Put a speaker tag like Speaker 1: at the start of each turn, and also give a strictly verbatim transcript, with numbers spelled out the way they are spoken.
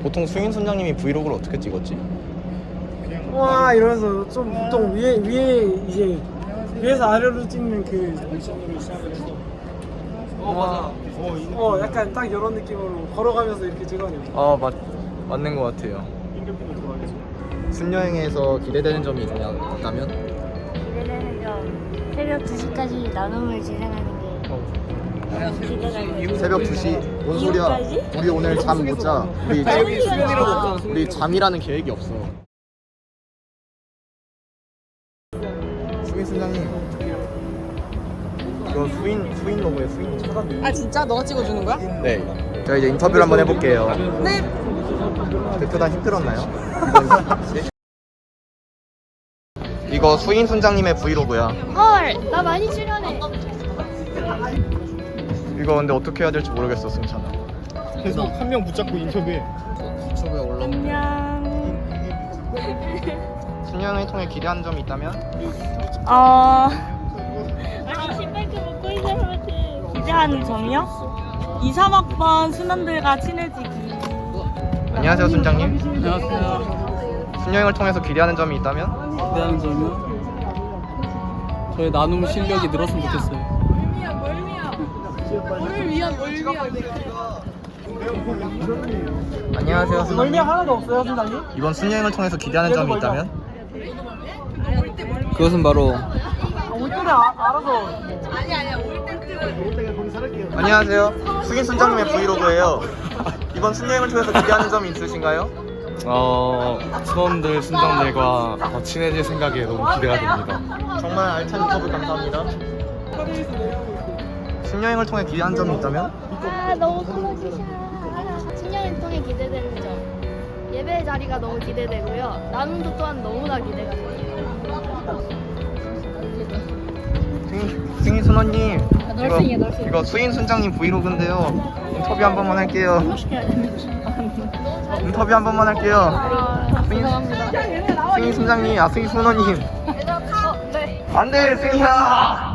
Speaker 1: 보통 수인 선장님이 브이로그를 어떻게 찍었지?
Speaker 2: 와 이러면서 좀 보통 위에 위에 이제 위에서 아래로 찍는 그 모션으로 시작을 해서 어 맞아 어 약간 딱 이런 느낌으로 걸어가면서 이렇게 찍어내요.
Speaker 1: 아 맞, 맞는 것 같아요. 순여행에서 기대되는 점이 있냐- 있다면?
Speaker 3: 기대되는 점 새벽 두 시까지 나눔을 진행하는 게 너무 기대가 돼요.
Speaker 1: 새벽 두 시? 뭔 소리야?
Speaker 3: 이후까지?
Speaker 1: 우리 오늘 잠 못 자. 우리,
Speaker 3: 아, 여기 수면이라고
Speaker 1: 없잖아. 우리 잠이라는 계획이 없어. 수인 순장님, 이거 수인 수인 로고에 수인 찾았네.
Speaker 4: 아 진짜? 너가 찍어주는 거야?
Speaker 1: 네. 자 이제 인터뷰를 한번 해볼게요.
Speaker 4: 네.
Speaker 1: 대표단 힘들었나요? 이거 수인 순장님의 브이로그야.
Speaker 3: 헐, 나 많이 출연해.
Speaker 1: 이거 근데 어떻게 해야 될지 모르겠어 승찬아.
Speaker 5: 계속 한 명 붙잡고 인터뷰해.
Speaker 1: 유튜브에 올라.
Speaker 3: 안녕.
Speaker 1: 순여행을 통해 기대하는 점이 있다면?
Speaker 3: 어. 아니 신발끈 묶고 있는 사람한테 기대하는 점이요? 이, 삼 학번 순원들과 친해지기.
Speaker 1: 안녕하세요 순장님.
Speaker 6: 안녕하세요.
Speaker 1: 순여행을 통해서 기대하는 점이 있다면?
Speaker 6: 기대하는 점이요? 저의 나눔 실력이 늘었으면 좋겠어요.
Speaker 1: 안녕하세요
Speaker 2: 멀미
Speaker 1: 순장님.
Speaker 2: 하나도 없어요, 선장님?
Speaker 1: 이번 순여행을 통해서 기대하는 점이 있다면?
Speaker 6: 그것은 바로
Speaker 2: 올 때는 아, 알아서
Speaker 1: 안녕하세요. 수인 순장님의 브이로그예요. 이번 순여행을 통해서 기대하는 점이 있으신가요?
Speaker 5: 어, 순원들, 순장들과 더 친해질 생각에 너무 기대가 됩니다.
Speaker 1: 정말 알찬 인터뷰 감사합니다. 순여행을 통해 기대하는 점이 있다면?
Speaker 3: 아 너무 클로지샷. 신년을 통해 기대되는 점. 예배 자리가 너무 기대되고요. 나눔도 또한 너무나 기대가 돼요.
Speaker 1: 승인, 승인 순원님.
Speaker 3: 널싱이야,
Speaker 1: 이거,
Speaker 3: 널싱.
Speaker 1: 이거 수인 순장님 브이로그인데요. 인터뷰 한 번만 할게요. 인터뷰 한 번만 할게요.
Speaker 3: 아, 죄송합니다.
Speaker 1: 승인 순장님, 아 승인 순원님.
Speaker 3: 어, 네.
Speaker 1: 안돼 승희야.